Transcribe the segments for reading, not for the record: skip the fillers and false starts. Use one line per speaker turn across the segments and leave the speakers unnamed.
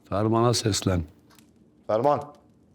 Ferman'a seslen.
Ferman.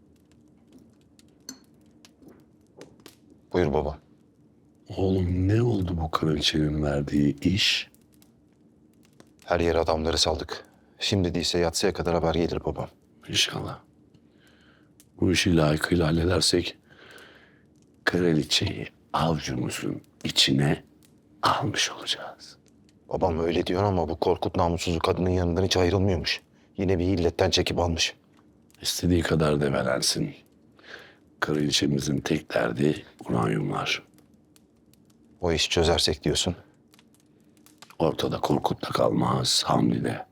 Buyur baba.
Oğlum ne oldu bu kraliçenin verdiği iş?
Her yere adamları saldık. Şimdi değilse yatsıya kadar haber gelir babam.
İnşallah. Bu işi layıkıyla halledersek kraliçeyi avcumuzun içine almış olacağız.
Babam öyle diyor ama bu Korkut namussuz kadının yanından hiç ayrılmıyormuş. Yine bir illetten çekip almış.
İstediği kadar develensin. Kraliçemizin tek derdi uranyumlar.
O işi çözersek diyorsun.
Ortada Korkut da kalmaz, Hamdi de.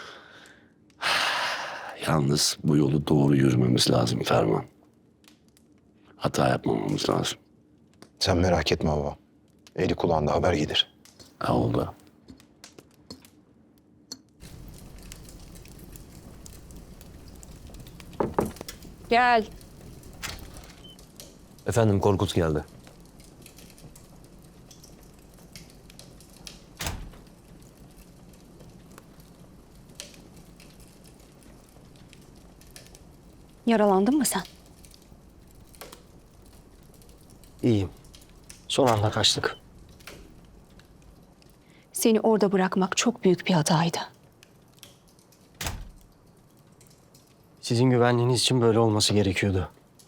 Yalnız bu yolu doğru yürümemiz lazım Ferman. Hata yapmamamız lazım.
Sen merak etme baba. Eli kulağında haber gelir.
Ha oldu.
Gel.
Efendim Korkut geldi.
Yaralandın mı sen?
İyiyim. Son anda kaçtık.
Seni orada bırakmak çok büyük bir hataydı.
Sizin güvenliğiniz için böyle olması gerekiyordu.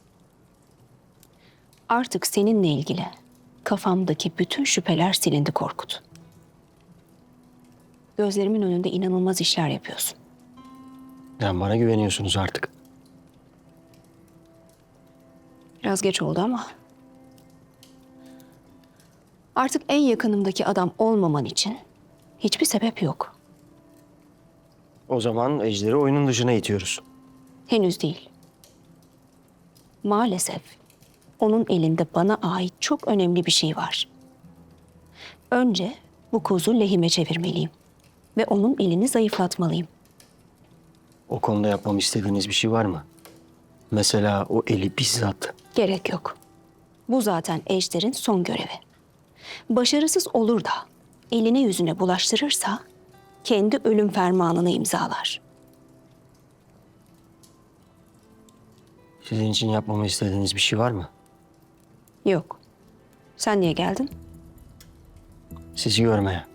Artık seninle ilgili kafamdaki bütün şüpheler silindi Korkut. Gözlerimin önünde inanılmaz işler yapıyorsun.
Yani bana güveniyorsunuz artık.
Biraz geç oldu ama. Artık en yakınımdaki adam olmaman için hiçbir sebep yok.
O zaman Ejder'i oyunun dışına itiyoruz.
Henüz değil. Maalesef onun elinde bana ait çok önemli bir şey var. Önce bu kozu lehime çevirmeliyim ve onun elini zayıflatmalıyım.
O konuda yapmamı istediğiniz bir şey var mı? Mesela o eli bizzat.
Gerek yok. Bu zaten Ejder'in son görevi. Başarısız olur da eline yüzüne bulaştırırsa kendi ölüm fermanını imzalar.
Sizin için yapmamı istediğiniz bir şey var mı?
Yok. Sen niye geldin?
Sizi görmeye.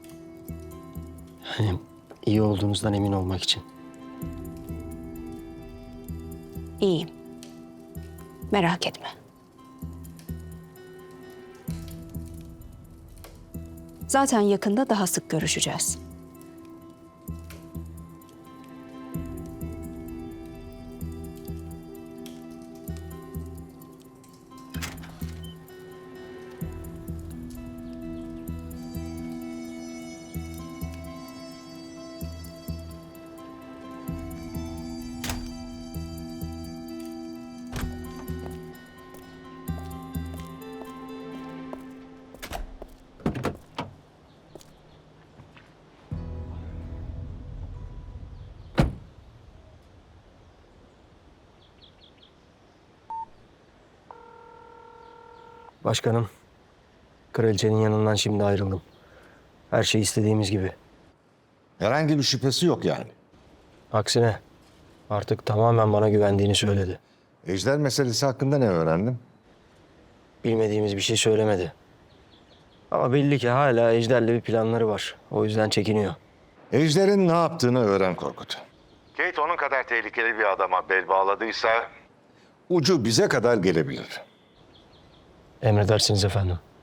Yani iyi olduğunuzdan emin olmak için.
İyiyim. Merak etme. Zaten yakında daha sık görüşeceğiz.
Başkanım, kraliçenin yanından şimdi ayrıldım. Her şey istediğimiz gibi.
Herhangi bir şüphesi yok yani.
Aksine artık tamamen bana güvendiğini söyledi.
Ejder meselesi hakkında ne öğrendim?
Bilmediğimiz bir şey söylemedi. Ama belli ki hala Ejder'le bir planları var. O yüzden çekiniyor.
Ejder'in ne yaptığını öğren Korkut. Kate onun kadar tehlikeli bir adama bel bağladıysa ucu bize kadar gelebilir.
Emredersiniz efendim.